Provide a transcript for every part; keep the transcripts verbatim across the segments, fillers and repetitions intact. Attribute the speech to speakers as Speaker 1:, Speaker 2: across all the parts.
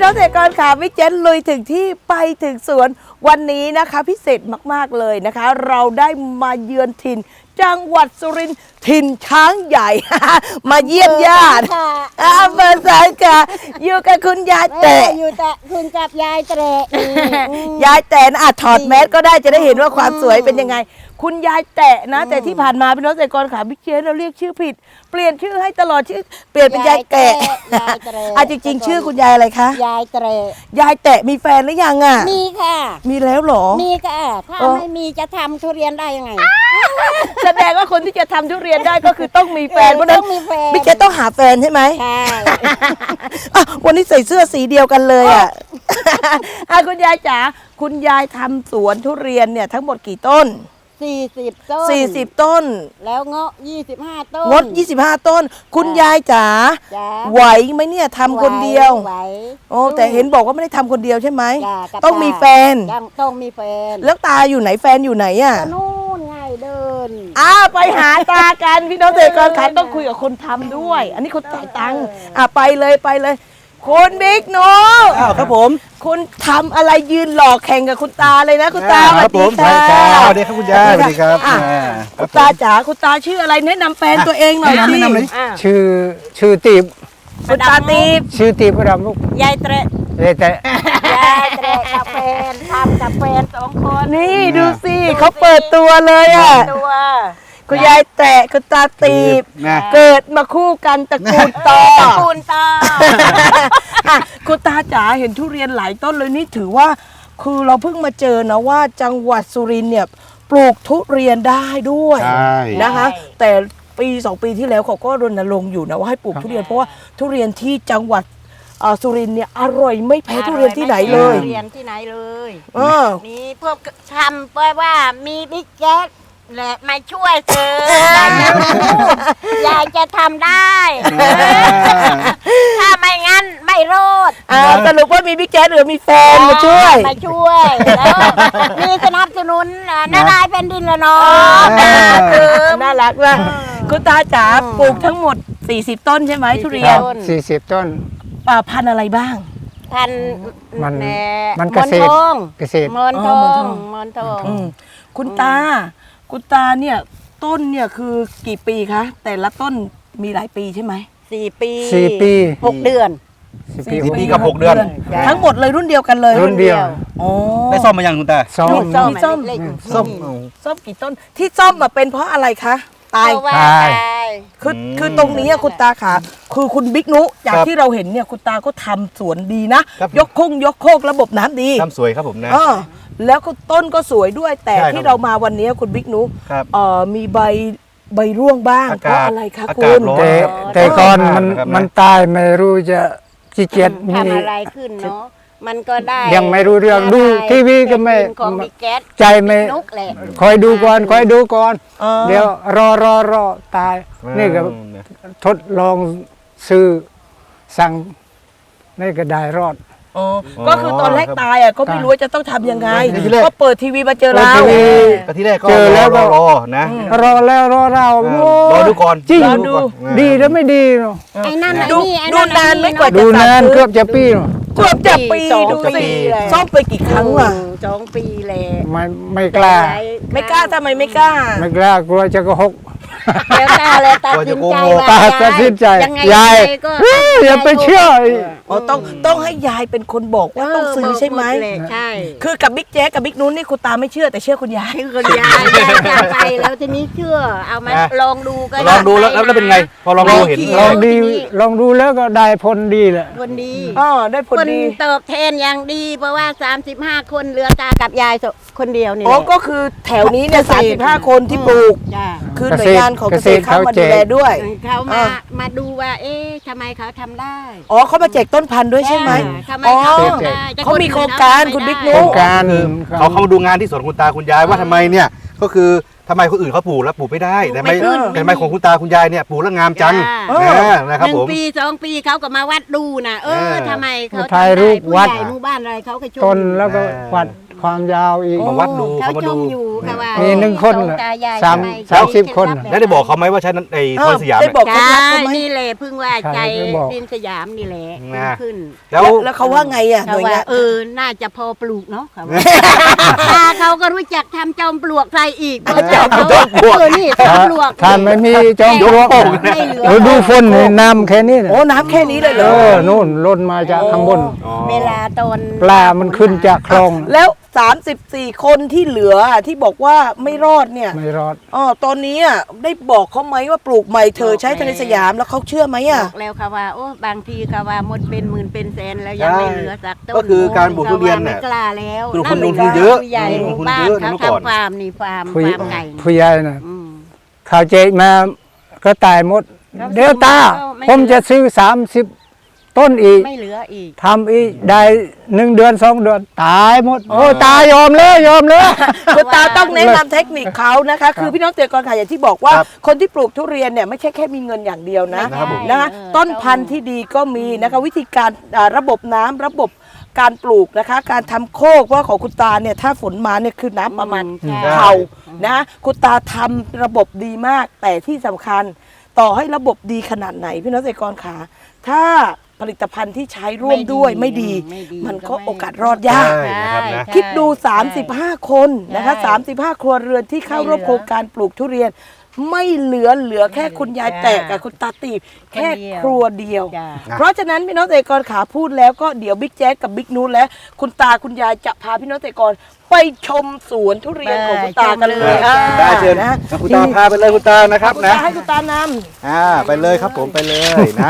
Speaker 1: น้องเกษตรกรค่ะวิเจนลุยถึงที่ไปถึงสวนวันนี้นะคะพิเศษมากๆเลยนะคะ เราได้มาเยือนถิ่นจังหวัดสุรินทร์ถิ่นช้างใหญ่ มาเยี่ยมญาติอำเภอสายค่ะอยู่กับคุณยายแตะ
Speaker 2: อยู่แต่คุณกับยายแตะ
Speaker 1: ยายแตะนะอ่ะถอดแมสก็ได้จะได้เห็นว่าความสวยเป็นยังไงคุณยายแตะนะแต่ที่ผ่านมาพี่น้องเกษตรกรค่ะบิ๊กเจนเราเรียกชื่อผิดเปลี่ยนชื่อให้ตลอดชื่อเปลี่ยนเป็นยายแตะอ่ะจริงๆชื่อคุณยายอะไรคะ
Speaker 2: ยายแตะ
Speaker 1: ยายแตะมีแฟนหรือยังอ่ะ
Speaker 2: มีค่ะ
Speaker 1: มีแล้วเหรอ
Speaker 2: มีค่ะถ้าไม่มีจะทำทุเรียนได้ยังไง
Speaker 1: แสดงว่าคนที่จะทำทุเรียนได้ก็คือต้องมีแฟนเพราะฉะนั้น
Speaker 2: ต้องมีแฟน
Speaker 1: บิ๊กเจนต้องหาแฟนใช่ไหม
Speaker 2: ใช่
Speaker 1: อ่ะวันนี้ใส่เสื้อสีเดียวกันเลยอ่ะ อ่ะคุณยายจ๋าคุณยายทำสวนทุเรียนเนี่ยทั้งหมดกี่ต้น
Speaker 2: สี่สิบต้น
Speaker 1: สี่สิบต้น
Speaker 2: แล้วเงาะยี่สิบห้าต้น
Speaker 1: งดยี่สิบห้าต้น คุณยายจ๋า
Speaker 2: จ้า
Speaker 1: ไหวไหมเนี่ยทำคนเดียว
Speaker 2: ไหว
Speaker 1: โอ้แต่เห็นบอกว่าไม่ได้ทำคนเดียวใช่ไหม
Speaker 2: จ้ากับ
Speaker 1: ต้องมีแฟน
Speaker 2: ยังต้องมีแฟน
Speaker 1: แล้วตาอยู่ไหนแฟนอยู่ไหนอ่ะ
Speaker 2: ก็นู่นไงเดิน
Speaker 1: อ้าไปหาตากันพี่น้องเกษตรกรค่ะต้องคุยกับคนทำด้วย อันนี้คนจ่ายตังค์อ่ะไปเลยไปเลย คุณบิ๊กหนู
Speaker 3: อ้าวครับผม
Speaker 1: คุณทำอะไรยืนหลอกแข่งกับคุณตาเลยนะคุณตาส
Speaker 3: ค
Speaker 1: วั
Speaker 3: รั
Speaker 1: ส
Speaker 3: ผ
Speaker 1: ดี
Speaker 3: ม
Speaker 1: ค่ะ
Speaker 3: สวัสดีครับคุณยายสวัสดีครับ
Speaker 1: อ่ะ
Speaker 3: อ่าค
Speaker 1: คุ
Speaker 3: รับ
Speaker 1: ณตาจ๋าคุณตาชื่ออะไรแนะนำแฟนตัวเองหน่อยสิ
Speaker 3: แนะนำหน่อย
Speaker 4: ชื่อชื่อตีบ
Speaker 1: คุณตาตีบ
Speaker 4: ชื่อตีบรำลูก
Speaker 2: ยายแตะ
Speaker 4: เลยแต่
Speaker 2: ยายแตะกับแฟนทำกับแฟนสองคน
Speaker 1: นี่ดูสิเขาเปิดตัวเลยอ่ะ
Speaker 2: ตัว
Speaker 1: คุณยายแตะคุณตาตีบ
Speaker 3: นะ
Speaker 1: เกิดมาคู่กันตระกูลต่อ
Speaker 2: คูณต่อ
Speaker 1: อ่ะคุณตาจ๋าเห็นทุเรียนหลายต้นเลยนี่ถือว่า คือเราเพิ่งมาเจอนะว่าจังหวัดสุรินทร์เนี่ยปลูกทุเรียนได้ด้วย
Speaker 3: ใช่
Speaker 1: นะคะ แต่ปีสองปีที่แล้วเขาก็รณรงค์อยู่นะว่าให้ปลูกทุเรียนเพราะว่าทุเรียนที่จังหวัดเอ่อสุรินทร์เนี่ยอร่อยไม่แพ้ทุเรียนที่ไหนเลย
Speaker 2: เรียนที่ไหนเลย
Speaker 1: เออ
Speaker 2: มีพวกทำเพราะว่ามีบิ๊กแจ๊สและมาช่วยเธอยายจะรู้ยายจะทำได้ ถ้าไม่งั้นไม่รอด
Speaker 1: อ่าสรุปว่ามีบิ๊กแจ๊สหรือมีแฟนมาช่วย
Speaker 2: มาช่วยแล้วมีสนับสนุนอ่ะนารายณ์เป็นดินละเนาะ
Speaker 1: น่ารักมากคุณตาจ๋าปลูกทั้งหมดสี่สิบต้นใช่ไหมทุเรียน
Speaker 4: สี่สิบต้น
Speaker 1: อ่าพันธุ์อะไรบ้าง
Speaker 2: พัน
Speaker 4: มัน
Speaker 2: แห
Speaker 4: มันเกษตร
Speaker 2: มอนทอง
Speaker 4: เกษตร
Speaker 2: มอนท
Speaker 1: อ๋
Speaker 2: อ
Speaker 1: อมอนทอง
Speaker 2: งมอนทอง
Speaker 1: อืมคุณตา คุณตาเนี่ยต้นเนี่ยคือกี่ปีคะ แต่ละต้นมีหลายปีใช่ไหม
Speaker 2: สี่ปี
Speaker 4: สี่ปี
Speaker 2: หกเดือน
Speaker 4: สี่ปี
Speaker 3: สี่ปีกับหกเดือน
Speaker 2: จ้ะ
Speaker 1: ทั้งหมดเลยรุ่นเดียวกันเลย
Speaker 4: รุ่นเดียว
Speaker 1: อ๋อ
Speaker 3: ได้ซ่อมมายังคุณตา
Speaker 4: ซ้อม
Speaker 2: ส้ม
Speaker 1: มีส้ม
Speaker 2: เล็กๆ
Speaker 3: ส้ม
Speaker 1: ส้มกี่ต้น ที่ส้มมาเป็นเพราะอะไรคะตาย
Speaker 2: เพราะว่า
Speaker 4: ตาย
Speaker 2: ตาย
Speaker 1: คือ
Speaker 3: อืม
Speaker 1: คือตรงนี้อะคุณตาขาคือคุณบิ๊กนุจาก
Speaker 3: ครับ
Speaker 1: ที่เราเห็นเนี่ยคุณตาก็ทำสวนดีนะ
Speaker 3: ครับ
Speaker 1: ยกคงยกโคกระบบน้ำดี
Speaker 3: ทำสวยครับผมนะ
Speaker 1: เออแล้วก็ต้นก็สวยด้วยแต่
Speaker 3: ใช่ครับ
Speaker 1: ที่เรามาวันนี้คุณบิ๊กนุ
Speaker 3: ครับ
Speaker 1: เอ่อมีใบใบร่วงบ้าง
Speaker 3: อา
Speaker 1: เพ
Speaker 3: กาศ
Speaker 1: ราะอะไรคะ
Speaker 3: อา
Speaker 1: คุ
Speaker 3: กาศ
Speaker 1: ณ
Speaker 3: ร้อน
Speaker 4: แต่
Speaker 3: ครับ
Speaker 4: แต่ก่อนมัน
Speaker 3: ครับ
Speaker 4: มันตายไม่รู้จะขี้เกียจมี
Speaker 2: ทำอะไรขึ้นเนาะมันก็ได้
Speaker 4: ยังไม่รู้เรื่องดูทีวีก็ไม่
Speaker 2: เป็นของบิ๊กแก๊ส
Speaker 4: ใจไม่
Speaker 2: นุกแหละ
Speaker 4: คอยดูก่อนคอยดูก่อน
Speaker 1: เออ
Speaker 4: เดี๋ยวรอรอรอตาย นี่ก็ทดลองซื้อสั่งนี่ก็ได้รอด
Speaker 1: อ๋อก็คือตอนแรกตายอ่ะก็ไม่รู้ว่าจะต้องทำยังไง
Speaker 3: ทีแรก
Speaker 1: ก็เปิดทีวีมาเจอเรา
Speaker 4: เปิดทีวี
Speaker 3: ก็ที่แรกก็
Speaker 4: เจอแล้ว
Speaker 3: ร
Speaker 4: ก็
Speaker 3: อรอนะ
Speaker 4: รอแล้วรอเรา
Speaker 3: อ่า
Speaker 4: โอ้
Speaker 3: รอดูก่อน
Speaker 4: จริง
Speaker 3: รอดูก่อน
Speaker 4: ดีแล้วไม่ดีเนาะ
Speaker 2: ไอ้นั่นไอ้
Speaker 1: ดู
Speaker 2: นี่ไอ้
Speaker 1: ดู
Speaker 2: นั่น
Speaker 1: นานไหม่กว่า
Speaker 4: ดู
Speaker 1: จะสั่ง
Speaker 4: นาน
Speaker 1: ซื้
Speaker 4: เกือบจะปีเนาะ
Speaker 1: เกือบจะปี
Speaker 2: สอง
Speaker 1: ดู
Speaker 2: ปี
Speaker 1: สิ
Speaker 2: เลย
Speaker 1: ซ่อมไปกี่ครั้งว่ะ
Speaker 2: สองปีแหละ
Speaker 4: ไม่ไม่กล้า
Speaker 1: ไม่กล้าทำไมไม่กล้า
Speaker 4: ไม่กล้ากลัวจะโกหก
Speaker 2: แล้วตาเลยตัดสินใจว่า
Speaker 4: ตาตัดสินใจ
Speaker 2: ยังไง
Speaker 4: ยาย
Speaker 2: งไงก็
Speaker 4: เฮ้ยอย่าไปเชื่อ
Speaker 1: อ๋อต้องต้องให้ยายเป็นคนบอกว่าต้องซื้อใช่ไหม
Speaker 2: เออบอกดเลยใช่
Speaker 1: คือกับบิ๊กแจ๊กกับบิ๊กนุ้นนี่คุณตาไม่เชื่อแต่เชื่อคุณยาย
Speaker 2: คือคนยายยายจะไปแล้วทีนี้เชื่อ เอามา
Speaker 3: อ่ะ
Speaker 2: ลองดูก็
Speaker 3: ลองดูแล้วแล้วเป็นไง พอลองดูเห็น
Speaker 4: ลองดีลองดูแล้วก็ได้ผลดีแหละ
Speaker 2: คนดี
Speaker 1: อ๋อได้ผล
Speaker 2: คน
Speaker 1: ดี
Speaker 2: ตอบแทนอย่างดี เพราะว่าสามสิบห้าคนเหลือตากับยายคนเดียวนี่
Speaker 1: อ๋อ
Speaker 2: แหละ
Speaker 1: ก็คือแถวนี้เนี่ยสามสิบห้าคนที่ปลูก
Speaker 2: จ้า
Speaker 1: คือหน่วยงานของเกษตรเข้ามาดูแลด้วย
Speaker 2: เขามา
Speaker 1: อ่า
Speaker 2: มาดูว่า เอ๊ะทำไมเขาทำได้
Speaker 1: อ๋อเขามาแจกต้นพันธุ์ด้วยใช่ไหม
Speaker 2: ทำไม
Speaker 1: อ๋อ
Speaker 2: เขาทำได้แต่
Speaker 1: เขามี
Speaker 2: น
Speaker 1: โครงการ
Speaker 2: ทำไม่
Speaker 1: คุณบิ๊ก
Speaker 2: ได้
Speaker 1: นุ๊
Speaker 4: โครงการ
Speaker 3: เขาเข้ามาดูงานที่สวนคุณตาคุณยายว่าทำไมเนี่ยก็คือทำไมคนอื่นเขาปลูกแล้วปลูกไม่ได้แต่ไม่
Speaker 2: ไม่ขึ้น
Speaker 3: แต่ทำไมของคุณตาคุณยายเนี่ยปลูกแล้วงามจัง
Speaker 2: จ้า
Speaker 3: นะนะครับ
Speaker 2: หนึ่
Speaker 3: ผ
Speaker 2: ง
Speaker 3: ม
Speaker 2: ปีสองปีเขาก็มาวัดดูนะเอ
Speaker 3: เอ
Speaker 2: อ
Speaker 3: อ
Speaker 2: ทำไมเขา
Speaker 4: ถ่ายรูป
Speaker 2: ทำได้ผู้
Speaker 4: วัด
Speaker 2: ใหญ่หมู่บ้านอะไรเขาก็ชม
Speaker 4: ต้นแล้วก็วัดความยาวอีก
Speaker 3: มาวัดดู
Speaker 2: เขา
Speaker 3: เขามา
Speaker 2: ช
Speaker 3: ดู
Speaker 2: มอยู่ค่ะว่า
Speaker 4: มีหนึ่งคน
Speaker 2: สอง
Speaker 4: น่ะ
Speaker 2: ตายาย
Speaker 4: สาม
Speaker 2: ทำไ
Speaker 4: สามสิบคน
Speaker 2: ใช้
Speaker 3: แล้วได้บอกเขาไหมว่าใช้นั้นไอ้
Speaker 1: เอ
Speaker 3: ค
Speaker 1: อ
Speaker 3: นสยาม
Speaker 1: ได้
Speaker 3: เนี่ย
Speaker 1: บอกเคล็ด
Speaker 2: ใช่
Speaker 1: ลับเขาไหม
Speaker 2: นี่แหละเพิ่งว่า
Speaker 4: ใช่
Speaker 2: ใจ
Speaker 4: ได้บอก
Speaker 2: ดินสยามนี่แหละ
Speaker 3: นะ
Speaker 2: ขึ้น
Speaker 3: แล้ว
Speaker 1: แล้วเขาว่าไงอ่ะห
Speaker 2: เขา
Speaker 1: น่วยา
Speaker 2: ว่าง
Speaker 1: น
Speaker 2: เออน่าจะพอปลูกเนาะเขาว่าตาเขาก็รู้จักทำจอมปลวกใครอีก
Speaker 1: จอมปลวก
Speaker 2: เออนี่จอมปลวก
Speaker 4: ถ้าไม่มีจอมปลวก
Speaker 2: ไม่เหลือ
Speaker 4: เออดูฝนนี่น้ำแค่นี้น่ะ
Speaker 1: โอ้น้ำแค่นี้เลยเหร
Speaker 4: เอ
Speaker 1: อ
Speaker 4: อนู่นล้นมาจากข้างบน
Speaker 3: อ๋อ
Speaker 2: เวลาตอน
Speaker 4: ปลามันขึ้นจากคลอง
Speaker 1: แล้วสามสิบสี่คนที่เหลืออ่ะที่บอกว่าไม่รอดเนี่ย
Speaker 4: ไม่รอด
Speaker 1: อ๋อตอนนี้อ่ะได้บอกเขาไหมว่าปลูกใหม่เธอใช้ทะเลสยามแล้วเขาเชื่อไหม
Speaker 2: บ
Speaker 1: อ่ะ
Speaker 2: อกแล้วค่ะว่าโอ้บางทีค่ะว่าหมดเป็นหมื่นเป็นแสนแล้วยังไม่เหลือสักต้น
Speaker 3: ก็คือการปลูกทุเรียน
Speaker 2: ไม่
Speaker 3: เนี่ย
Speaker 2: กล้าแล้ว
Speaker 3: คือคนล
Speaker 2: นั่
Speaker 3: ง
Speaker 2: น
Speaker 3: ทุนเยอะ
Speaker 2: ผู้ใหญ่
Speaker 3: ลงทุน
Speaker 2: บ้าน
Speaker 3: เยอะ
Speaker 2: เขา
Speaker 3: เมื่อก่อน
Speaker 2: ทำฟาร์มนี่ฟาร์ม
Speaker 4: ผู้
Speaker 2: ฟาร์มไก่นี่
Speaker 4: ผู้ใหญ่น่ะ
Speaker 2: อืม
Speaker 4: ข่าวเจมาก็ตายหมด
Speaker 2: ครับ
Speaker 4: เดี๋ยวตา
Speaker 2: ไม่
Speaker 4: ผมจะซื้อสามสิบต้นอีก
Speaker 2: ไม่เหลืออีก
Speaker 4: ทำอีกได้หนึ่งเดือนสองเดือน ตายหมด โอ้ตายยอมเลยยอมเลย
Speaker 1: คุณตาต้องแนะนำเทคนิคเขานะคะ คือพี่น้องเกษตรกรค่ะอย่างที่บอกว่า
Speaker 3: ครับ
Speaker 1: คนที่ปลูกทุเรียนเนี่ยไม่ใช่แค่มีเงินอย่างเดียวนะ
Speaker 3: นะครับผม
Speaker 1: นะคะ
Speaker 2: เออ
Speaker 1: ต้นพันธุ์ที่ดีก็มีนะคะวิธีการอ่าระบบน้ำระบบการปลูกนะคะ การทำโคกเพราะของคุณตาเนี่ยถ้าฝนมาเนี่ยคือน้ำประมาณ
Speaker 2: อืม
Speaker 1: เข่านะคุณตาทำระบบดีมาก แต่ที่สำคัญต่อให้ระบบดีขนาดไหนพี่น้องเกษตรกรค่ะถ้าผลิตภัณฑ์ที่ใช้ร่วมด้วยไม่ดี
Speaker 2: ไม่ดี
Speaker 1: มันก็
Speaker 2: ก็ไม่
Speaker 1: โอกาสรอดยาก
Speaker 3: ใช่นะครับนะ
Speaker 1: คิดดู สามสิบห้า คนนะคะ
Speaker 2: ใช่
Speaker 1: สามสิบห้า ครัวเรือนที่เข้าร่วม
Speaker 2: ไม่เหลือ
Speaker 1: โครงการปลูกทุเรียน ไม่เหลือเหลือแค่คุณยาย
Speaker 2: จ้า
Speaker 1: แตกกับคุณตาตีบแค่
Speaker 2: คนเดียว
Speaker 1: ครัวเดียว
Speaker 2: จ้า
Speaker 1: เพราะฉะนั้นพี่น้องเกษตรกรขาพูดแล้วก็เดี๋ยวบิ๊กแจ๊สกับบิ๊กนูตและคุณตาคุณยายจะพาพี่น้องเกษตรกรไปชมสวนทุเรียนของคุณตากันเลย
Speaker 2: ไปชมเลย
Speaker 1: อ่า
Speaker 3: ได้เชิญ
Speaker 1: นะ
Speaker 3: คุณตาพาไปเลยคุณตานะครับ
Speaker 1: คุณ
Speaker 3: นะ
Speaker 1: ตาให้คุณตานำ
Speaker 3: อ่าไปเลยครับผมไปเลยนะ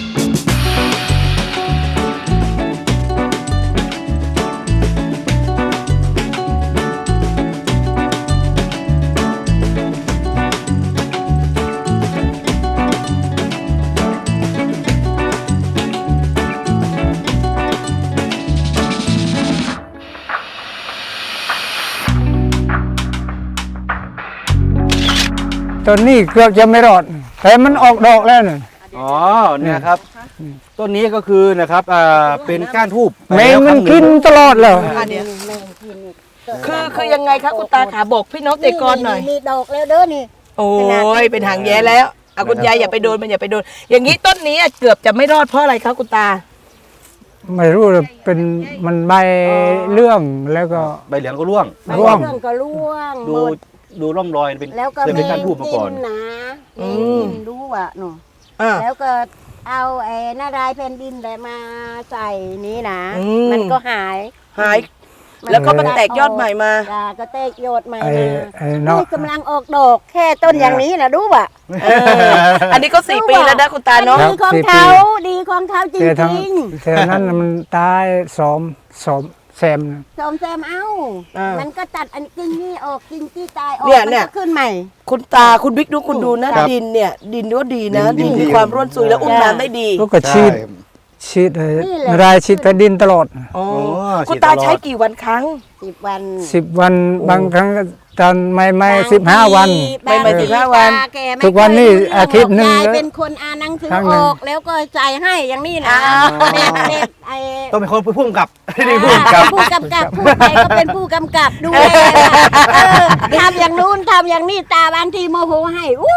Speaker 4: ต้นนี้เกือบจะไม่รอด แต่มันออกดอกแล้วน่ะ
Speaker 3: อ๋อเนี่ยครับต้นนี้ก็คือนะครับอ่าเป็นก้านทูบ
Speaker 4: แมงมันกินตลอดเลย
Speaker 1: อันเนี้ยคือคือยังไงคะคุณตาขาบอกพี่น้องเกษตรกรหน่อย
Speaker 2: มีดอกแล้วเด้อนี่
Speaker 1: โอ้ยเป็นหางแย้แล้วเอาคุณยายอย่าไปโดนมันอย่าไปโดน อย่างนี้ต้นนี้เกือบจะไม่รอดเพราะอะไรคะคุณตา
Speaker 4: ไม่รู้เลยเป็นมันใบเลื่อมแล้วก็
Speaker 3: ใบเหลืองก็ร่วง
Speaker 4: ร่วง
Speaker 2: เรื่องก็ร่วง
Speaker 3: ดู
Speaker 2: หมด
Speaker 3: ดูร่องรอยเป็น
Speaker 2: แล้วก็
Speaker 3: เคยเป็นก้านทูบมาก่อน
Speaker 2: นะ
Speaker 1: อื
Speaker 2: มี
Speaker 1: ม
Speaker 2: ดินรู้อ่ะหนู
Speaker 1: อ่า
Speaker 2: แล้วก็เอาไอ้นารายแผ่นดินอะไรมาใส่นี้นะ
Speaker 1: อืม
Speaker 2: มันก็หาย
Speaker 1: หาย แล้วก็มันแตกยอดใหม่มา
Speaker 2: จ้ะก็แตกยอดใหม่
Speaker 4: ไอ้
Speaker 2: มา
Speaker 4: ไอ้เนาะ
Speaker 2: นี่กำลังออกดอกแค่ต้นอย่างนี้นะดูป่ะ
Speaker 1: เอออันนี้ก็สี่ปีแล้วนะคุณตาเนาะ
Speaker 2: ดีของเขาดีของเขาจ
Speaker 4: แต่ทั้ง
Speaker 2: ริง
Speaker 4: แต่นั้นน่ะมันตายสอมสอมแซมนะ
Speaker 2: ๆสมแซมเอา
Speaker 1: อ่ามั
Speaker 2: มันก็ตัดอันกิ่งนี่ออกกิ่งที่ตายออก
Speaker 1: เนี่ย
Speaker 2: มั
Speaker 1: เนี่ย
Speaker 2: ก็ขึ้นใหม่
Speaker 1: คุณตาคุณบิ๊กดูคุณดูนะครับ ดินเนี่ย ดินก็ดีนะ
Speaker 3: ดิ
Speaker 1: ดิ
Speaker 3: น
Speaker 1: น
Speaker 3: ดี
Speaker 1: มีความร่วนซุยแล้วอุ้ม
Speaker 2: จ้ะ
Speaker 1: น้ำได้ดี
Speaker 4: แล้วก็ฉีด
Speaker 3: ใช่
Speaker 4: ฉีดไอ้
Speaker 2: นี่แหละ
Speaker 4: รายฉีดแผ่นดินตลอด
Speaker 1: อ๋อ
Speaker 3: โอ้
Speaker 1: คุณ
Speaker 3: ฉีด
Speaker 1: ตา
Speaker 3: ตลอด
Speaker 1: ใช้กี่วันครั้ง
Speaker 2: สิบวัน
Speaker 4: สิบวันบางครั้งก็ตอนไม่ไม่สิบห้าวัน
Speaker 1: ไม่ไม่
Speaker 2: บงที
Speaker 1: สิบห้าวัน
Speaker 2: ตแไม่
Speaker 4: ทุกวันนี้
Speaker 2: เครู้เรื่ง
Speaker 4: อาทิตย์หนึ่ง
Speaker 2: ยาย
Speaker 4: แล้ว
Speaker 2: เป็นคนอ่านหนังสือ
Speaker 4: ครั้งห
Speaker 2: อ
Speaker 4: นึ่ง
Speaker 2: อกแล้วก็ใจายให้อย่างนี้นะ
Speaker 1: อ่า
Speaker 2: เน็ตเน็ตไอ้
Speaker 3: ต้องเป็นคนผู้กำกับไม่ได้ผู้กำกับ
Speaker 2: ผู้กำกับผู้ใดก็เป็นผู้กำกับดูแลเออทำอย่างนู้นทำอย่างนี้ตาบางทีโมโหให้อู้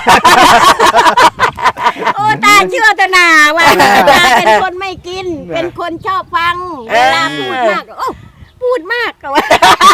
Speaker 2: โอ้ตาเชื่อตนาว่าตาเป็นคนไม่กิน เป็นคนชอบฟังเวลาพูดมากโอ้พูดมากก็ว่า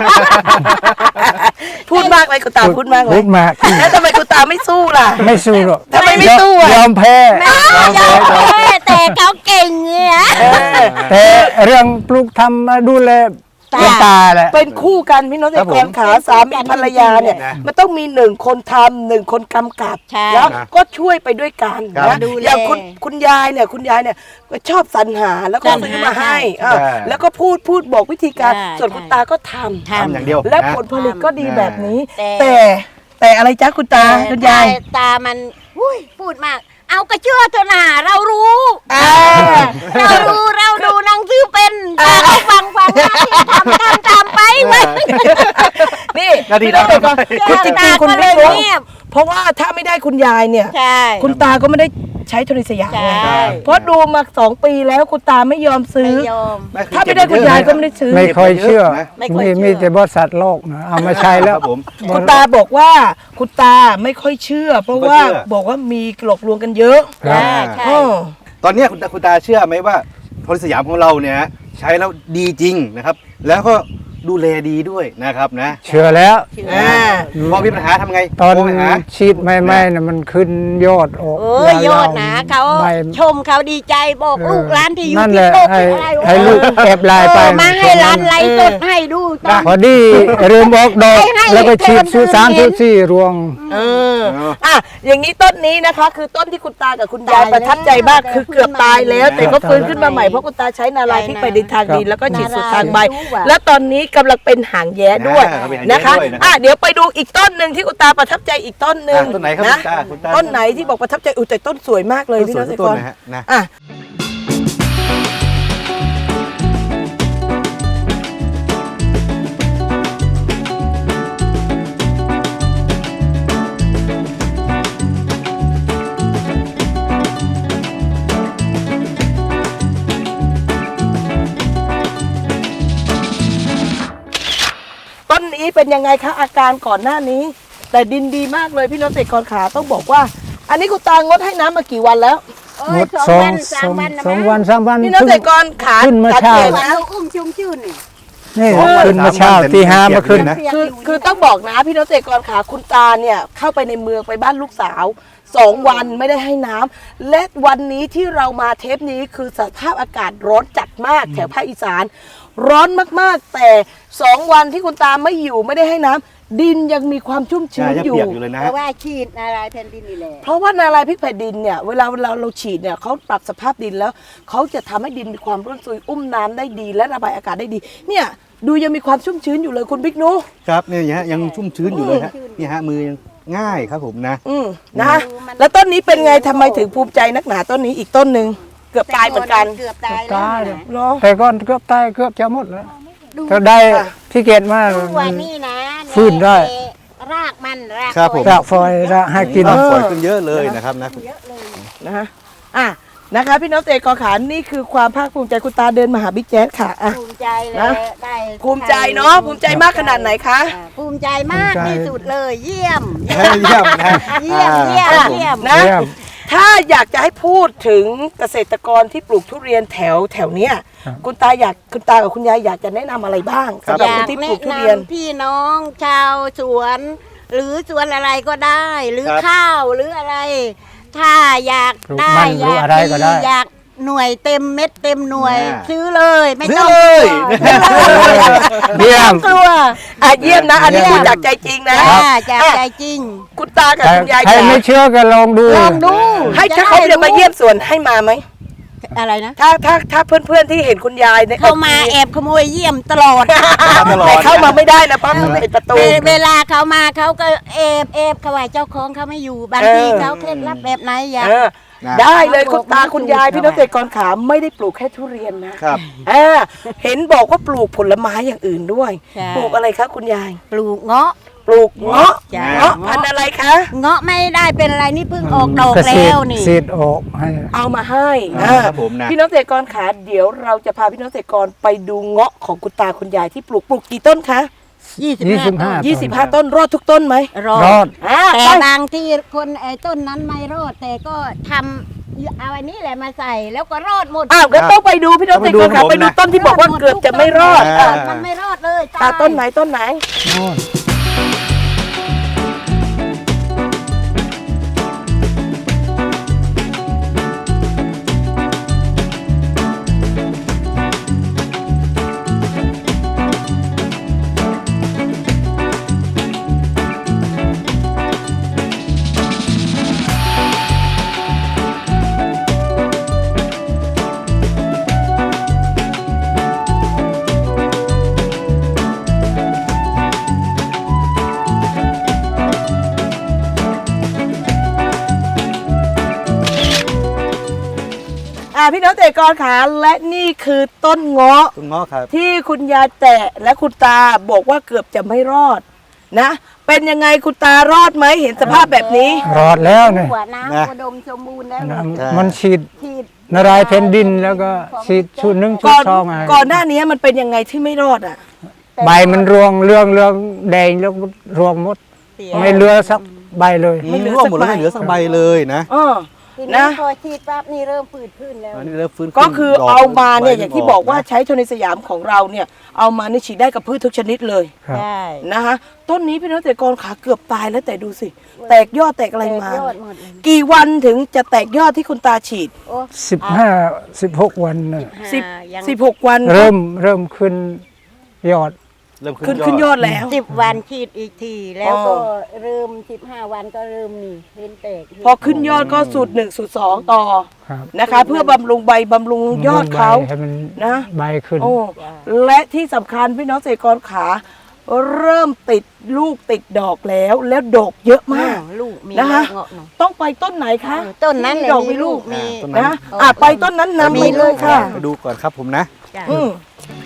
Speaker 1: พูดมากเลยคุณตาพูดมากเล
Speaker 4: พู
Speaker 1: ย
Speaker 4: ดมาก
Speaker 1: แล้วทำไมคุณตาไม่สู้ล่ะ
Speaker 4: ไม่สู้หรอก
Speaker 1: ทำไมไม่สู้อะ
Speaker 4: ยอมแพ้
Speaker 2: ยอมแพ้แต่เขาเก่งเนี่ย
Speaker 4: แต่เรื่องปลูกทำดูแล
Speaker 2: ตา
Speaker 4: เป็นตาแหละ
Speaker 1: เป็นคู่กันพี่น้องเกษตรกรขาสามีภรรยาเนี่ย
Speaker 3: นะ
Speaker 1: มันต้องมีหนึ่งคนทำหนึ่งคนกำกับ
Speaker 2: ใช่
Speaker 1: แล้วก็ช่วยไปด้วยกัน
Speaker 3: ครับ
Speaker 1: นะ
Speaker 2: ดูแล
Speaker 1: อย่างคุณคุณยายเนี่ยคุณยายเนี่ยก็ชอบสรรหาแล้วก็
Speaker 2: สรรหา
Speaker 1: ซื้อมาให้
Speaker 2: ใช่
Speaker 1: อ่ะแล้วก็พูดพูดบอกวิธีการ
Speaker 2: ใช่
Speaker 1: ส่วนคุณตาก็ทำ
Speaker 2: ท
Speaker 3: ทำอย่างเดียว
Speaker 1: และ
Speaker 3: นะ
Speaker 1: ผลผลิตก็ดีแบบนี้
Speaker 2: แต่
Speaker 1: แต่แต่อะไรจ๊ะคุณตาคุณยาย
Speaker 2: ตามันอุ้ยพูดมาก เอากระเชื่อเถอะนะเรารู้
Speaker 1: อ่า
Speaker 2: เรารู้เราดูหนังสือเป็นตาเขาฟังฟังหน้าที่ทำทำตามไปเว้ย
Speaker 1: นี่
Speaker 3: หน้าที่
Speaker 1: พี่น้องเกษตรกร
Speaker 2: ทำ
Speaker 1: คุณจริงๆคุณไม่
Speaker 2: ตาก็เลย
Speaker 1: รู้
Speaker 2: เงียบ
Speaker 1: เพราะว่าถ้าไม่ได้คุณยายเนี่ย
Speaker 2: ใช่
Speaker 1: คุณตาก็ไม่ได้ใช้โทรสยาม
Speaker 2: ใช่
Speaker 1: ไงเพราะดูมาสองปีแล้วคุณตาไม่ยอมซื้อ
Speaker 2: ไม่ยอม
Speaker 3: แม่คือ
Speaker 1: ถ้าไม่ได้คุณยายก็ไม่ได้ซื้อ
Speaker 4: ไม่ค่อยเชื่อ
Speaker 2: ไม่ค่อย
Speaker 4: มี
Speaker 2: เชื่อ
Speaker 4: มีแต่บริษัทโลกนะเอามาใช้แล้
Speaker 3: คว รับผม
Speaker 1: คุณตาบอกว่าคุณตาไม่ค่อยเชื่อ เพราะว่า
Speaker 3: ไม่ค่อยเชื่อ
Speaker 1: บอกว่ามีหลอกลวงกันเยอะ
Speaker 4: ครับ
Speaker 2: ใช่ใช่
Speaker 1: อ้อ
Speaker 3: ตอนเนี้ยคุณตาคุณตาเชื่อไหมว่าโทรสยามของเราเนี่ยใช้แล้วดีจริงนะครับ แล้วก็ดูแลดีด้วยนะครับนะ
Speaker 4: เชื่อแล้ว
Speaker 1: อ่า
Speaker 3: พอมีปัญหาทำไง
Speaker 4: ตอน
Speaker 3: โทรไปหา
Speaker 4: ฉีดใหม่ๆน่ะมันขึ้นยอดออก
Speaker 2: เออยอดหนาเขา
Speaker 4: ใบ
Speaker 2: ชมเขาดีใจบอกลูกร้านที่อยู่
Speaker 4: นั่น
Speaker 2: ที่
Speaker 4: แหละ
Speaker 2: โลก
Speaker 4: ให้
Speaker 2: อะไร
Speaker 4: ให้ลูกแอบไลน์ไป
Speaker 2: เออมาให้ร้านไลฟ์สดให้ดูตอน
Speaker 4: พอดีเริ่มออกดอก
Speaker 2: ให้ให้
Speaker 4: แล้วก็ฉีด
Speaker 2: ให้คน
Speaker 4: สู
Speaker 2: อื่น
Speaker 4: สาม
Speaker 2: เห็
Speaker 4: สู
Speaker 2: น
Speaker 4: สี่รวง
Speaker 1: เออ
Speaker 3: เออ
Speaker 1: อ่ะอย่างนี้ต้นนี้นะคะ คือต้นที่คุณตากับคุณยาย
Speaker 2: ตายแล้ว
Speaker 1: ประทับใจมากคือเกือบตายแล้ว แต่ก็
Speaker 4: ตายแล้ว
Speaker 1: ฟื้นขึ้นมาใหม่เพราะคุณตาใช้นาลายพริกไปดินทางดินแล้วก็ฉีดสูตรทางใบ
Speaker 2: นาลายรู้ว่ะ
Speaker 1: แล้วตอนนี้กำลังเป็นหางแย้ด้วย
Speaker 3: อ่าเป็นหางแย้
Speaker 1: นะคะ
Speaker 3: ด้วยนะครับ
Speaker 1: อ่ะเดี๋ยวไปดูอีกต้นหนึ่งที่คุณตาประทับใจอีกต้นหนึ่ง
Speaker 3: อ่ะต้นไหนครับ
Speaker 1: นะ
Speaker 3: คุณตาคุณตา
Speaker 1: ต้นไหนที่บอกประทับใจอุ้ยแต่ต้นสวยมากเลยพี่
Speaker 3: ส
Speaker 1: น้
Speaker 3: ว
Speaker 1: อย งเกษตร
Speaker 3: ต้
Speaker 1: ก
Speaker 3: น
Speaker 1: ร
Speaker 3: นะฮะนะ
Speaker 1: อ่ะ ต้นนี้เป็นยังไงคะอาการก่อนหน้านี้ แต่ดินดีมากเลยพี่น้องเกษตรกรขาต้องบอกว่า อันนี้คุณตางดให้น้ำมากี่วันแล้ว
Speaker 2: โอ้
Speaker 4: หม
Speaker 2: ย
Speaker 4: ด
Speaker 2: สอง
Speaker 4: สอง
Speaker 2: วันสามวันนะ
Speaker 4: สอง
Speaker 2: มั้ง
Speaker 4: วันสามวัน
Speaker 1: พี่น้องเกษตรกรขา
Speaker 4: ขึ้นมา
Speaker 1: สัง
Speaker 4: เช้า
Speaker 1: เกต
Speaker 2: วัน
Speaker 1: นะ
Speaker 2: เราอุ้มชุ่มชื่นนี่
Speaker 4: นี่
Speaker 3: สองวัน
Speaker 4: ขึ้นมา
Speaker 3: สามวัน
Speaker 4: เช้า
Speaker 3: เป็น
Speaker 4: ตีห้า
Speaker 3: เปียก
Speaker 4: มาขึ้น
Speaker 3: เลยนะ
Speaker 1: คือคือต้องบอกนะพี่น้องเกษตรกรขาคุณตาเนี่ยเข้าไปในเมืองไปบ้านลูกสาวสองวันไม่ได้ให้น้ำและวันนี้ที่เรามาเทปนี้คือสภาพอากาศร้อนจัดมากแถวภาคอีสาน ร้อนมากๆ แต่สองวันที่คุณตาไม่อยู่ไม่ได้ให้น้ำดินยังมีความชุ่ม
Speaker 3: ใช่
Speaker 1: ชื้น
Speaker 3: ยัง
Speaker 1: อยู่
Speaker 3: เปียกอยู่เลยนะ
Speaker 2: เพ
Speaker 3: ฮะ
Speaker 2: ราะว่าฉีดอะไรแผ่นดินนี่แหละ
Speaker 1: เพราะว่านาลายพริกแผ่นดินเนี่ยเวลาเวลาเราฉีดเนี่ยเขาปรับสภาพดินแล้วเขาจะทำให้ดินมีความร่วนซุยอุ้มน้ำได้ดีและระบายอากาศได้ดี เนี่ยดูยังมีความชุ่มชื้นอยู่เลยคุณบิ๊กนุ
Speaker 3: ครับเนี่ยฮะยังชุ่มชื้นอยู่เลยฮะนี่ฮะมือยังง่ายครับผมนะ
Speaker 1: อืมนะแล้วต้นนี้เป็นไงทำไมถึงภูมิใจนักหนาต้นนี้อีกต้นหนึ่งเกือบตายเหมือนกัน
Speaker 2: เกือบตายแล้ว
Speaker 4: ตาย
Speaker 2: นะ
Speaker 1: เนาะ
Speaker 4: แต่ก่อนเกือบตายเกือบจะหมดแล้ว
Speaker 2: ดู
Speaker 4: ก็ได้
Speaker 1: ค่ะ
Speaker 4: ที่เกตมา
Speaker 2: ดูว่านี่นะ
Speaker 4: ฟื้นได้
Speaker 2: รากมันราก
Speaker 3: ครับผม
Speaker 4: รากฟอยรากให้กิน
Speaker 3: น้ำฝอยขึ้นเยอะเลยนะครับนะ
Speaker 2: เยอะเลย
Speaker 1: นะฮะอ่ะนะคะพี่น้องเตะกอขานนี่คือความภาคภูมิใจคุณตาเดินมาหาบิ๊กแจ๊สค่ะอ่ะ
Speaker 2: ภูมิใจเลย
Speaker 1: นะ
Speaker 2: ได้
Speaker 1: ภูมิใจเนาะภูมิใจมากขนาดไหนคะ
Speaker 2: อ่าภูมิใจมาก
Speaker 4: ภูมิใจ
Speaker 2: ที่สุดเลย เยี่ยม
Speaker 3: เยี่ยมนะ
Speaker 2: เยี่ยมเยี่ยม
Speaker 3: ครับผม
Speaker 2: เยี่ยม
Speaker 1: นะ
Speaker 4: เยี่ยม
Speaker 1: ถ้าอยากจะให้พูดถึงเกษตรกรที่ปลูกทุเรียนแถวแถวเนี้ย
Speaker 4: ครับ
Speaker 1: คุณตาอยากคุณตากับคุณยายอยากจะแนะนำอะไรบ้างสำหรับ
Speaker 2: อ
Speaker 1: คน
Speaker 2: ยาก
Speaker 1: ที่ปลู
Speaker 2: แนะ
Speaker 1: กทุ
Speaker 2: น
Speaker 1: เรียน
Speaker 2: ำพี่น้องชาวสวน หรือสวนอะไรก็ได้ หรือ
Speaker 3: ครับ
Speaker 2: ข้าวหรืออะไร ถ้าอยาก
Speaker 4: ปลูก
Speaker 2: ได้
Speaker 4: มันหรือ
Speaker 2: อยาก
Speaker 4: อะไรก็ได้
Speaker 2: อยากหน่วยเต็มเม็ดเต็มหน่วย
Speaker 3: อ่า
Speaker 2: ซื้อเลย ไม่
Speaker 3: ซื้อ
Speaker 2: ต้อง
Speaker 3: เลย
Speaker 4: เยี่ยม
Speaker 2: กลัว
Speaker 1: อ่ะเยี่ยมนะอันนี้
Speaker 4: เยี่
Speaker 1: พู
Speaker 4: ย
Speaker 1: ด
Speaker 4: ม
Speaker 1: จากใจจริงนะ
Speaker 2: จ้าจากใจจริง
Speaker 1: คุณตากับ
Speaker 4: ใคร
Speaker 1: คุณยาย
Speaker 4: ใคร
Speaker 1: จ๋า
Speaker 4: ไม่เชื่อก็ลองดู
Speaker 2: ลองดู
Speaker 1: ให้ถ้าเขาจะมาเยี่ยมสวนให้มาไหม
Speaker 2: อะไรนะ
Speaker 1: ถ้าถ้าถ้าเพื่อนๆที่เห็นคุณยายเนี่ย
Speaker 2: เข้ามาแอบขโมยเยี่ยมตลอด
Speaker 3: ตลอด
Speaker 1: แต่เข้ามาไม่ได้นะเพราะมันเป็นประตู
Speaker 2: เวเวลาเขามาเขาก็เอบเอบเขาว่าเจ้าของเขาไม่อยู่บางที
Speaker 1: เออ
Speaker 2: เขาเคล็ดลับแบบไหนอยาก
Speaker 1: เออ
Speaker 3: นะ
Speaker 1: ได้เลยคุณตา
Speaker 2: บอก
Speaker 1: คุณยาย
Speaker 2: ไม่ถูก
Speaker 1: พี่น้องเกษตรกรขาไม่ได้ปลูกแค่ทุเรียนนะครับ อ่าเห็นบอกว่าปลูกผลไม้อย่างอื่นด้วย
Speaker 2: ใช่
Speaker 1: ปลูกอะไรคะคุณยาย
Speaker 2: ปลูกเงาะ
Speaker 1: ปลูกเงาะ
Speaker 2: จ้ะ
Speaker 1: เงาะพันธุ์อะไรคะ
Speaker 2: เงาะไม่ได้เป็นอะไรนี่เพิ่งออกดอก
Speaker 4: เกษ
Speaker 2: แล้
Speaker 4: ตร
Speaker 2: วนี่
Speaker 4: เศษออกให้
Speaker 1: เอามาให้
Speaker 3: อ่า
Speaker 1: อ่า
Speaker 3: ครับผมนะ
Speaker 1: พี่น้องเกษตรกรขาเดี๋ยวเราจะพาพี่น้องเกษตรกรไปดูเงาะของคุณตาคุณยายที่ปลูกปลูกกี่ต้นคะ
Speaker 2: ยี่สิบ
Speaker 4: ยี่สิบ
Speaker 2: ห้า
Speaker 4: ห้า
Speaker 1: ยี่สิบห้าต้นรอดทุกต้นไหม
Speaker 2: รอ
Speaker 4: รอ
Speaker 2: ด
Speaker 4: ด
Speaker 1: อ่า
Speaker 2: แต่
Speaker 1: ไป
Speaker 2: บางที่คนไอ้ต้นนั้นไม่รอดแต่ก็ทำเอาอันนี้แหละมาใส่แล้วก็รอดหมด
Speaker 1: อ้าวก็ต้องไปดูพี่น้องเกษตรกรขา
Speaker 3: ต้อง
Speaker 1: ไป
Speaker 3: ไปดู
Speaker 1: ดูต้นที่บอกว่าเกือบจะไม่รอด
Speaker 3: อ่า
Speaker 1: อ่ะ
Speaker 2: มันไม่รอดเลย
Speaker 1: อ่าต้นไหนต้นไหน
Speaker 4: โน่น
Speaker 1: อ่าพี่น้องเกษตรกรขาและนี่คือต้นเงาะ
Speaker 3: คุณง้อครับ
Speaker 1: ที่คุณยายแตะและคุณตาบอกว่าเกือบจะไม่รอดนะเป็นยังไงคุณตารอดไหมเห็นสภาพแบบนี้
Speaker 4: รอดแล้วเนี่ย
Speaker 2: หัวน้ำอุดมสมบูรณ์แล้ว
Speaker 4: น้
Speaker 3: ใช่
Speaker 4: ำมันฉีด
Speaker 2: ฉีด
Speaker 4: นารายณ์แผ่นดินแล้วก็ฉีดชุดหนึ่งชุด
Speaker 1: ก่อน
Speaker 4: สองไง
Speaker 1: ก่อนหน้านี้มันเป็นยังไงที่ไม่รอดอ่ะ
Speaker 4: ใบมันรวงเรื่องเรื่องแดงแล้วรวงหมด
Speaker 2: เสีย
Speaker 4: ไม่เหลือสักใบเลย
Speaker 3: ไม่ร่วงหมดเลยไม่เหลือสักใบเลยนะ
Speaker 1: เออ
Speaker 2: ทีนี้
Speaker 1: นะ
Speaker 2: พอฉีดปั๊บนี่เริ่มฝืดขึ้นแล้ว
Speaker 3: อันนี้เริ่มฟื้นขึ้น
Speaker 1: ก็คือ
Speaker 3: ดก
Speaker 1: เอามาเนี่ย
Speaker 3: ใบ
Speaker 1: อย่างที่บอกว่า
Speaker 3: นะ
Speaker 1: ใช้โทนิสยามของเราเนี่ยเอามานี่ฉีดได้กับพืชทุกชนิดเลย
Speaker 4: ครับ
Speaker 2: ใช่
Speaker 1: นะคะต้นนี้พี่น้องเกษตรกรขาเกือบตายแล้วแต่ดูสิ แตกยอดแตกอะไรมา
Speaker 2: แตกยอดหมดเลย
Speaker 1: กี่วันถึงจะแตกยอดที่คุณตาฉีด
Speaker 2: โอ้
Speaker 4: สิบห้าสิบหกวันน่ะ
Speaker 1: สิบ
Speaker 2: ห้ายัง
Speaker 1: สิบหกวัน
Speaker 4: เริ่มเริ่มขึ้นยอด
Speaker 3: เริ่ม
Speaker 1: ขึ้นขึ้นยอดแล้ว
Speaker 2: สิบวันฉีดอีกทีแล้วก็
Speaker 1: อ๋อ
Speaker 2: เริ่มสิบห้าวันก็เริ่มนี่เห็นแตก
Speaker 1: พอขึ้นยอดก็สูตรหนึ่งสูตรสองต่อ
Speaker 4: ครับ
Speaker 1: นะคะ เพื่อบำรุงใบบำรุงยอดเขา
Speaker 4: ใบให้มัน
Speaker 1: นะ
Speaker 4: ใบขึ้น
Speaker 1: โอ้และที่สำคัญพี่น้องเกษตรกรขาเริ่มติดลูกติดดอกแล้ว แล้วดอกเยอะมาก
Speaker 2: ลูกมี
Speaker 1: นะคะ
Speaker 2: เงาะหน่อย
Speaker 1: ต้องไปต้นไหนคะ
Speaker 2: เออต้นนั้น
Speaker 1: ที่
Speaker 2: เลย
Speaker 1: ดอก
Speaker 2: มี
Speaker 1: มีลูก
Speaker 2: มี
Speaker 3: ต้นนั้น
Speaker 1: นะอ่ะไปต้นนั้นนำ
Speaker 2: มี
Speaker 1: ไปเลยค่ะ
Speaker 3: ไปดูก่อนครับผมนะ
Speaker 2: จ้ะ
Speaker 1: อืม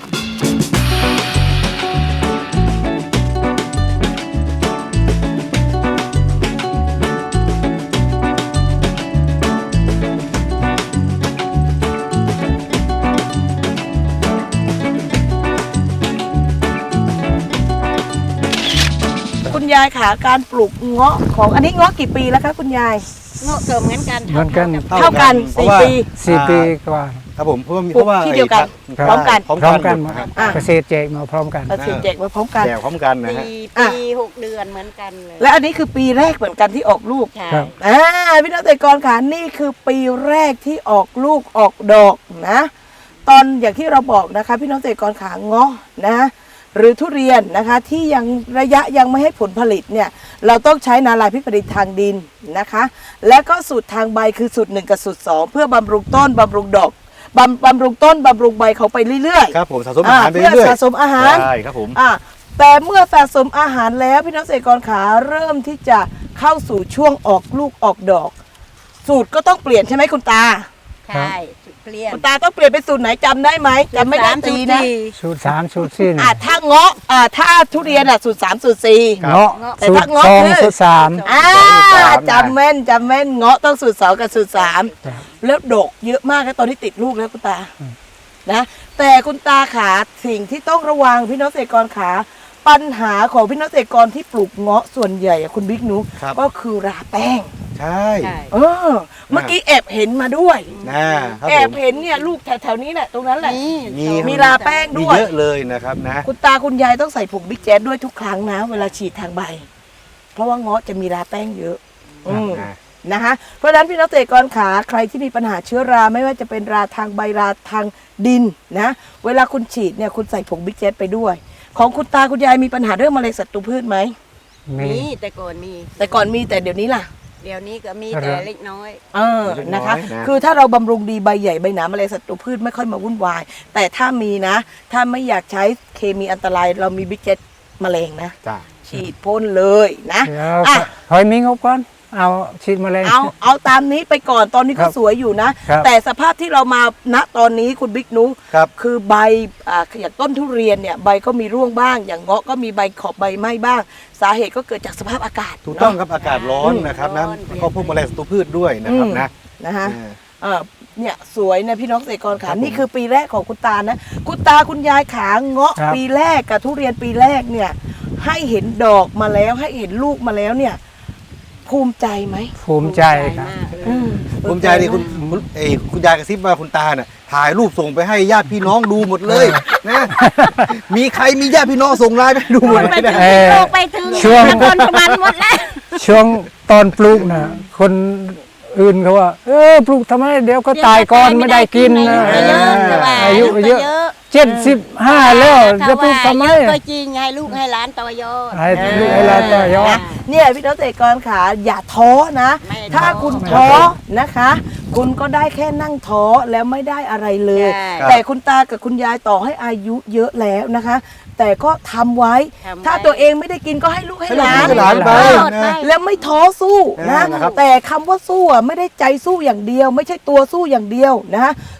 Speaker 1: คุณยายขาการปลูกเงาะของอันนี้เงาะกี่ปีแล้วคะคุณยาย
Speaker 2: เงาะเกิมเหมือนกัน
Speaker 4: เหมือนกัน
Speaker 1: เท่ากัน
Speaker 3: เพราะ
Speaker 1: สี่
Speaker 3: ว่า
Speaker 1: ปี
Speaker 4: สี่ปีกว่า
Speaker 3: ครับผมเพราะว่ามี
Speaker 1: ปลูก
Speaker 3: เพราะว่า
Speaker 1: ที่เดียวกัน
Speaker 3: ไอ้
Speaker 1: พร้อมกัน
Speaker 3: พร้อม
Speaker 4: พร้อม
Speaker 3: กั
Speaker 4: กัน น
Speaker 3: หมดครับ
Speaker 1: อ่ะ
Speaker 4: เกษตรแจกมาพร้อมกัน
Speaker 1: เอาสิเจกมาพร้อมกัน
Speaker 3: แจกพร้อมกันนะฮะ
Speaker 2: ปี
Speaker 1: อ่ะ
Speaker 2: ปีหกเดือนเหมือนกันเลย
Speaker 1: และอันนี้คือปีแรกเหมือนกันที่ออกลูก
Speaker 2: ใช่
Speaker 4: ครับ
Speaker 1: อ่าพี่น้องเกษตรกรค่ะนี่คือปีแรกที่ออกลูกออกดอกนะ ตอนอย่างที่เราบอกนะคะ พี่น้องเกษตรกรขาเงาะนะ หรือทุเรียนนะคะที่ยังระยะยังไม่ให้ผลผลิตเนี่ยเราต้องใช้นาลายพิษผลิตทางดินนะคะ และก็สูตรทางใบคือสูตรหนึ่งกับสูตรสองเพื่อบำรุงต้นบำรุงดอกบำบำรุงต้นบำรุงใบเขาไปเรื่อยๆ
Speaker 3: ครับผมสะสมอาหารไป
Speaker 1: เพื่อ
Speaker 3: เรื่อย
Speaker 1: สะสมอาหาร
Speaker 3: ใช่ครับผม
Speaker 1: อ่ะแต่เมื่อสะสมอาหารแล้วพี่น้องเกษตรกรขาเริ่มที่จะเข้าสู่ช่วงออกลูกออกดอก สูตรก็ต้องเปลี่ยนใช่ไหมคุณตา
Speaker 2: ใช่เปลี่ยน
Speaker 1: คุณตาต้องเปลี่ยนเป็นสูตรไหนจำได้ไหมจำไม่ได้
Speaker 2: สาม
Speaker 1: ตี
Speaker 2: สี่
Speaker 1: นะ
Speaker 4: สูตรสามสูตรสี่
Speaker 1: อ่ะถ้าเงาะอ่ะถ้าทุเรียนอ่ะสูตรสามสูตรสี่
Speaker 4: เงาะ
Speaker 1: แต่
Speaker 4: สูต
Speaker 1: ถ้าร เงาะ
Speaker 4: สอง
Speaker 1: คือ
Speaker 4: สูตรสาม
Speaker 1: อ่า
Speaker 3: สูตรสามนะ
Speaker 1: จำแม่นจำแม่นเงาะต้องสูตรสองกับสูตรสาม
Speaker 4: ครับ
Speaker 1: แล้วดกเยอะมากนะตอนที่ติดลูกแล้วคุณตานะแต่คุณตาขาสิ่งที่ต้องระวังพี่น้องเกษตรกรขาปัญหาของพี่น้องเกษตรกรที่ปลูกเงาะส่วนใหญ่อะคุณบิ๊กนุ
Speaker 3: ครับ
Speaker 1: ก็คือราแป้ง
Speaker 3: ใช่
Speaker 2: ใช่
Speaker 1: เออเมื่อกี้แอบเห็นมาด้วย
Speaker 3: นะครับ
Speaker 1: แอบ
Speaker 3: ผม
Speaker 1: เห็นเนี่ยลูกแถวๆนี้แหละตรงนั้นแหละ
Speaker 2: นี่
Speaker 3: มี
Speaker 1: มีราแป้ง
Speaker 3: มี
Speaker 1: ด้วย
Speaker 3: เยอะเลยนะครับนะ
Speaker 1: คุณตาคุณยายต้องใส่ผงบิ๊กแจ๊ดด้วยทุกครั้งนะ เวลาฉีดทางใบ เพราะว่าเงาะจะมีราแป้งเยอะอืม
Speaker 3: นะ
Speaker 1: นะคะเพราะฉะนั้นพี่น้องเกษตรกรขาใครที่มีปัญหาเชื้อราไม่ว่าจะเป็นราทางใบราทางดินนะเวลาคุณฉีดเนี่ยคุณใส่ผงบิ๊กแจ๊ดไปด้วย ของคุณตาคุณยายมีปัญหาเรื่องมะเร็งศัตรูพืชไหม
Speaker 4: มี
Speaker 2: มีแต่ก่อนมี
Speaker 1: แต่ก่อนมีแต่เดี๋ยวนี้ล่ะ
Speaker 2: เดี๋ยวนี้ก็มี
Speaker 4: อะไร
Speaker 2: แต่เล็กน้อย
Speaker 1: เออนะคะ คือถ้าเราบำรุงดีใบใหญ่ใบหนามะเร็งศัตรูพืชไม่ค่อยมาวุ่นวาย แต่ถ้ามีนะ ถ้าไม่อยากใช้เคมีอันตรายเรามีบิ๊กแจ๊ดมะเร็งนะ
Speaker 3: จ้า
Speaker 1: ฉีดพ่นเลยนะ
Speaker 4: เดี๋ยว
Speaker 1: อ่ะ
Speaker 4: หอยมิงเอาก่อนเอาฉีดแมลง
Speaker 1: เอาเอาตามนี้ไปก่อนตอนนี้
Speaker 4: ครั
Speaker 1: ก็
Speaker 4: บ
Speaker 1: สวยอยู่นะ
Speaker 4: ครับ
Speaker 1: แต่สภาพที่เรามาณตอนนี้คุณบิ๊กนุ
Speaker 3: ครับ
Speaker 1: คือใบอ่าอย่างต้นทุเรียนเนี่ยใบก็มีร่วงบ้าง อย่างเงาะก็มีใบขอบใบไหม้บ้าง สาเหตุก็เกิดจากสภาพอากาศ
Speaker 3: ถูกต้อง
Speaker 1: เนาะ
Speaker 3: ครับอากาศร้อนนะครับนะ
Speaker 2: ร้อน
Speaker 3: ก็พวกแมลงศัตรูพืชด้วยนะครับนะ
Speaker 1: นะคะ
Speaker 3: อ่า
Speaker 1: เออเนี่ยสวยนะพี่น้องเกษตรกร
Speaker 3: ครั
Speaker 1: ขา
Speaker 3: บผม
Speaker 1: นี่คือปีแรกของคุณตานะคุณตาคุณยายขาเงาะ
Speaker 4: ครับ
Speaker 1: ปีแรกกับทุเรียนปีแรกเนี่ยให้เห็นดอกมาแล้วให้เห็นลูกมาแล้วเนี่ยภูมิใจไหม
Speaker 4: ภูมิใจครับ
Speaker 2: มากเลย
Speaker 1: อืม
Speaker 3: ภูมิใจดิคุณคุณเอยคุณยายกระซิบมาคุณตาน่ะถ่ายรูปส่งไปให้ญาติพี่น้องดูหมดเลยนะมีใครมีญาติพี่น้องส่งไลน์ไปให้ดูหมดเลยนะ
Speaker 4: เออ
Speaker 2: โลกไปถึง
Speaker 4: ช่วง
Speaker 2: นครสวรรค์หมดแล้ว
Speaker 4: ช่วงตอนปลูกนะคนอื่นเขาว่า เออปลูกทำไมเดี๋ยวก็ตายก่อนไม่ได้กินนะ
Speaker 2: อายุเยอะ
Speaker 4: อายุเยอะเจ็ดสิบห้าแล้วจะปลูกทำไม
Speaker 2: เยอะก็จริงให้ลูกให้หลานต่อยอด
Speaker 4: ให้ลูกให้หลานต่อยอด
Speaker 1: นะเนี่ยพี่น้องเกษตรกรขาอย่าท้อนะ
Speaker 2: ไม่ท้อ
Speaker 1: ถ้าคุณท้อนะคะ คุณก็ได้แค่นั่งท้อแล้วไม่ได้อะไรเลย
Speaker 2: ใช่
Speaker 1: แต่คุณตากับคุณยายต่อให้อายุเยอะแล้วนะคะ แต่ก็ทำไว้
Speaker 2: ทำไว้
Speaker 1: ถ้าตัวเองไม่ได้กินก็ให้ลูกให้หลาน
Speaker 3: ให้หลานไป
Speaker 2: ให้หลาน
Speaker 3: นะ
Speaker 1: แล้วไม่ท้อสู้นะ
Speaker 3: นะครับ
Speaker 1: แต่คำว่าสู้อ่ะไม่ได้ใจสู้อย่างเดียว ไม่ใช่ตัวสู้อย่างเดียวนะ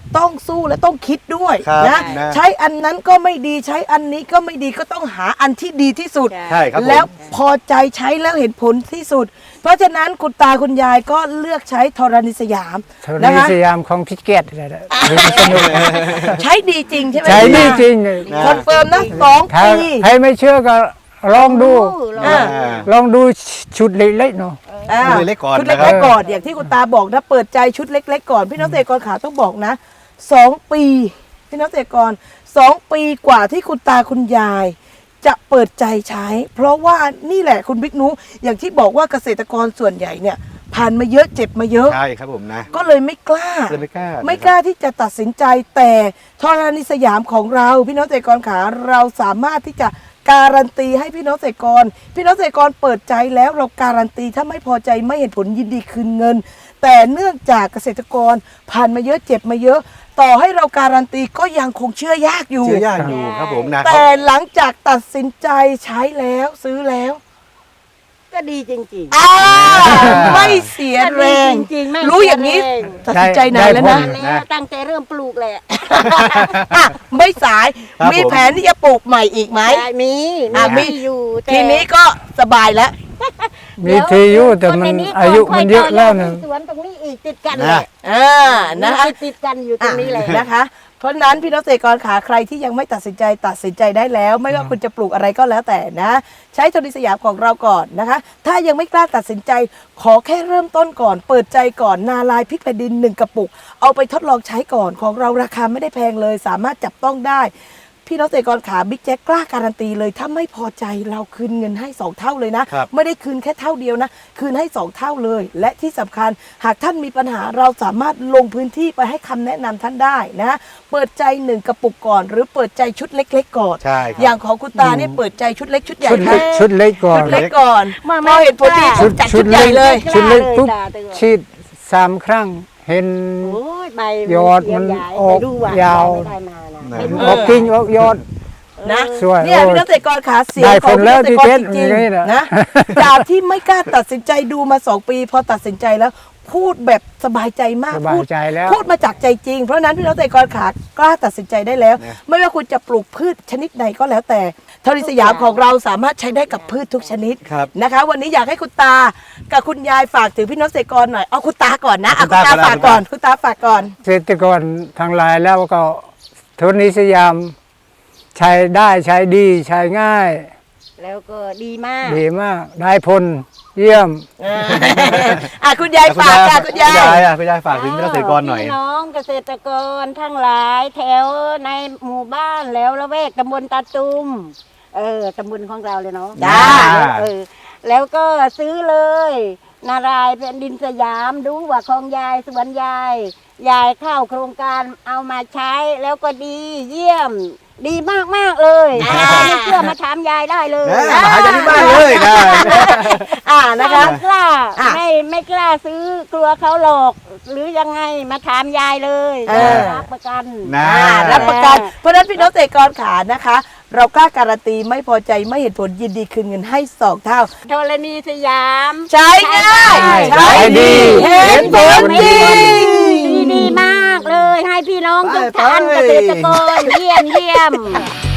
Speaker 1: ต้องสู้และต้องคิดด้วย
Speaker 3: ครับ
Speaker 1: นะ
Speaker 3: นะ
Speaker 1: ใช้อันนั้นก็ไม่ดีใช้อันนี้ก็ไม่ดีก็ต้องหาอันที่ดีที่สุด
Speaker 3: ใช่ครับผม
Speaker 1: แล้วพอใจใช้แล้วเห็นผลที่สุด เพราะฉะนั้นคุณตาคุณยายก็เลือกใช้ธรณีสยาม
Speaker 4: เท่า
Speaker 1: นะ
Speaker 4: นี้
Speaker 1: คะ
Speaker 4: สยามของพิเกตอะไรนะสนุก
Speaker 1: ใช้ดีจริงใช่ไหม
Speaker 4: ใช้ดีจริง
Speaker 1: คอนเฟิร์มนะสอง
Speaker 4: ถ้า
Speaker 1: ปี
Speaker 4: ใครไม่เชื่อก็ลองดู
Speaker 1: อ่า
Speaker 4: ลองดูชุดเล็กๆเนาะ
Speaker 1: อ่า
Speaker 3: ชุดเล็กๆก่อน
Speaker 1: ชุด
Speaker 3: นะครับ
Speaker 1: เล็กๆก่อนอย่างที่คุณตาบอกนะเปิดใจชุดเล็กๆก่อนพี่น้องเกษตรกรขาต้องบอกนะสองปีพี่น้องเกษตรกรสองปีกว่าที่คุณตาคุณยาย จะเปิดใจใช้ เพราะว่านี่แหละคุณบิ๊กนุอย่างที่บอกว่าเกษตรกรส่วนใหญ่เนี่ยผ่านมาเยอะเจ็บมาเยอะ
Speaker 3: ใช่ครับผมนะ
Speaker 1: ก็เลยไม่กล้า
Speaker 3: เลยไม่กล้า
Speaker 1: ไม่กล้าที่จะตัดสินใจแต่ธรณีสยามของเราพี่น้องเกษตรกรขาเราสามารถที่จะการันตีให้พี่น้องเกษตรกร พี่น้องเกษตรกรเปิดใจแล้วเราการันตีถ้าไม่พอใจไม่เห็นผลยินดีคืนเงิน แต่เนื่องจากเกษตรกรผ่านมาเยอะเจ็บมาเยอะ ต่อให้เราการันตีก็ยังคงเชื่อยากอยู่
Speaker 3: เชื่อยากอยู่ครับผมนะ
Speaker 1: แต่หลังจากตัดสินใจใช้แล้วซื้อแล้ว
Speaker 2: ก็ดีจริงๆ
Speaker 1: อ่าไม่เสียแรง
Speaker 2: จริงๆไม่
Speaker 1: รู้อย่างนี้
Speaker 2: เสียแรง
Speaker 1: ตัดสินใจนานแล้วนะ
Speaker 2: นานแล้วตั้งแต่เริ่มปลูกแหละ
Speaker 1: อ่ะไม่สาย
Speaker 3: ครับ
Speaker 1: มี
Speaker 3: ผม
Speaker 1: แผนที่จะปลูกใหม่อีกไหม
Speaker 2: ได้มี
Speaker 1: อ่ะมี
Speaker 2: มีอยู่แต่
Speaker 1: ทีนี้ก็สบายแล้ว
Speaker 4: มีทีอยู่แต่มันอายุมันเยอะแล้วนะ
Speaker 2: สวนตรงนี้อีกติดกันแห
Speaker 3: นะ
Speaker 2: ละ
Speaker 1: อ่านะคะ
Speaker 2: ติดติดกันอยู่ตรงนี้แหละ
Speaker 1: อ่ะนะคะ เพราะฉะนั้นพี่น้องเกษตรกรขาใครที่ยังไม่ตัดสินใจตัดสินใจได้แล้ว ไม่ว่าคุณจะปลูกอะไรก็แล้วแต่นะ ใช้ธรณีสยามของเราก่อนนะคะ ถ้ายังไม่กล้าตัดสินใจ ขอแค่เริ่มต้นก่อน เปิดใจก่อนนาลายพริกแผ่นดินหนึ่งกระปุก เอาไปทดลองใช้ก่อนของเราราคาไม่ได้แพงเลย สามารถจับต้องได้ พี่น้องเกษตรกรขาบิ๊กแจ๊กกล้าการันตีเลยถ้าไม่พอใจเราคืนเงินให้สองเท่าเลยนะ
Speaker 3: ครับ
Speaker 1: ไม่ได้คืนแค่เท่าเดียวนะ คืนให้สองเท่าเลย และที่สำคัญหากท่านมีปัญหาเราสามารถลงพื้นที่ไปให้คำแนะนำท่านได้นะ เปิดใจหนึ่งกระปุกก่อน หรือเปิดใจชุดเล็ก ๆ ก่อน
Speaker 3: ใช่ครับ
Speaker 1: อย่างของคุณตาเนี่ยเปิดใจชุดเล็กชุดใหญ่
Speaker 4: ชุดเล็ก
Speaker 1: ค่ะ
Speaker 4: ชุดเล็กก่อน
Speaker 1: ชุดเล็กก่อน
Speaker 2: มา
Speaker 1: พอเห็นผลดี
Speaker 2: ชุ
Speaker 1: ชุ
Speaker 2: ด
Speaker 1: ดจัดชุดใหญ่เลย
Speaker 4: ชุดเล็กปุ๊บ
Speaker 2: กล้าเลย
Speaker 4: ฉีดสามครั้งเห็น
Speaker 2: โอ้ยใบ
Speaker 4: ยอดมัน
Speaker 2: เขีวใหญ่
Speaker 4: ออก
Speaker 2: ไปดูว่
Speaker 4: ยาว
Speaker 2: ไม่ได้มานะไม่รู้
Speaker 4: ออกกิ่งออกยอด
Speaker 1: นะ
Speaker 4: สวย
Speaker 1: เนี่ย
Speaker 4: โอ้ย
Speaker 1: พี่น้องเกษตรกรขาเสียง
Speaker 4: ได้
Speaker 1: ของ
Speaker 4: ผลแล้ว
Speaker 1: พี่น้องเกษตรกร
Speaker 4: พี่เพชร
Speaker 1: จริง
Speaker 4: อย่างนี้นะ
Speaker 1: ๆนะจากที่ไม่กล้าตัดสินใจดูมาสองปี พอตัดสินใจแล้วพูดแบบสบายใจมาก
Speaker 4: สบายใจแล้ว
Speaker 1: พูดมาจากใจจริง เพราะฉะนั้นพี่น้องเกษตรกรขากล้าตัดสินใจได้แล้ว ไม่ว่าคุณจะปลูกพืชชนิดไหนก็แล้วแต่ธรณีสยามของเราสามารถใช้ได้กับพืชทุกชนิด
Speaker 3: ครับ
Speaker 1: นะคะ วันนี้อยากให้คุณตากับคุณยายฝากถึงพี่น้องเกษตรกรหน่อยเอาคุณตาก่อนนะเอา
Speaker 3: คุ
Speaker 1: คุณ
Speaker 3: ณ
Speaker 1: ตา
Speaker 3: ตา
Speaker 1: ฝาก
Speaker 3: ก่
Speaker 1: ก่อ
Speaker 3: อน น
Speaker 1: คุณตาฝากก่อน
Speaker 4: เกษตรกรทางหลายแล้วก็โทรณีสยามใช้ได้ใช้ดีใช้ง่าย
Speaker 2: แล้วก็ดีมาก
Speaker 4: ดีมาก ได้ผลเยี่ยม
Speaker 1: อ่ะคุณยายฝากค่ะคุณยาย
Speaker 3: อ่ะคุณยายฝากถึงพี่น้องเกษตรกรหน่อย
Speaker 2: พี่น้องเกษตรกรทั้งหลายแถวในหมู่บ้านแล้วละแวกตำบลตาตุมเออตำบลของเราเลยเนาะ
Speaker 1: จ้า
Speaker 2: เออแล้วก็ซื้อเลย นารายณ์แผ่นดินสยามดูว่าของยายสวนยาย ยายเข้าโครงการเอามาใช้แล้วก็ดีเยี่ยม ดีมากมากๆเลย
Speaker 1: อ่า
Speaker 2: ใครไม่เชื่อมาถามยายได้เลย
Speaker 3: นะมาหาจากที่บ้านเลยนะ
Speaker 1: อ่านะคะ
Speaker 2: ไม่กล้า
Speaker 1: อ่ะ
Speaker 2: ไม่ไม่กล้าซื้อกลัวเขาหลอก หรือยังไงมาถามยายเลย
Speaker 1: เออ
Speaker 2: รับประกัน
Speaker 3: นะ
Speaker 1: อ่ารับประกันเพราะฉะนั้นพี่น้องเกษตรกรขานะคะ เรากล้าการันตีไม่พอใจไม่เห็นผลยินดีคืนเงินให้สองเท่า
Speaker 2: ธรณีสยาม
Speaker 1: ใช้ง่าย
Speaker 4: ใช้ดี
Speaker 1: เห็นผลจริง
Speaker 2: ดีดีมากเลย ให้พี่น้องทุกท่าน
Speaker 3: ไป
Speaker 2: เก
Speaker 3: ไป
Speaker 2: ษตรกรเยี่ยมเยี่ยม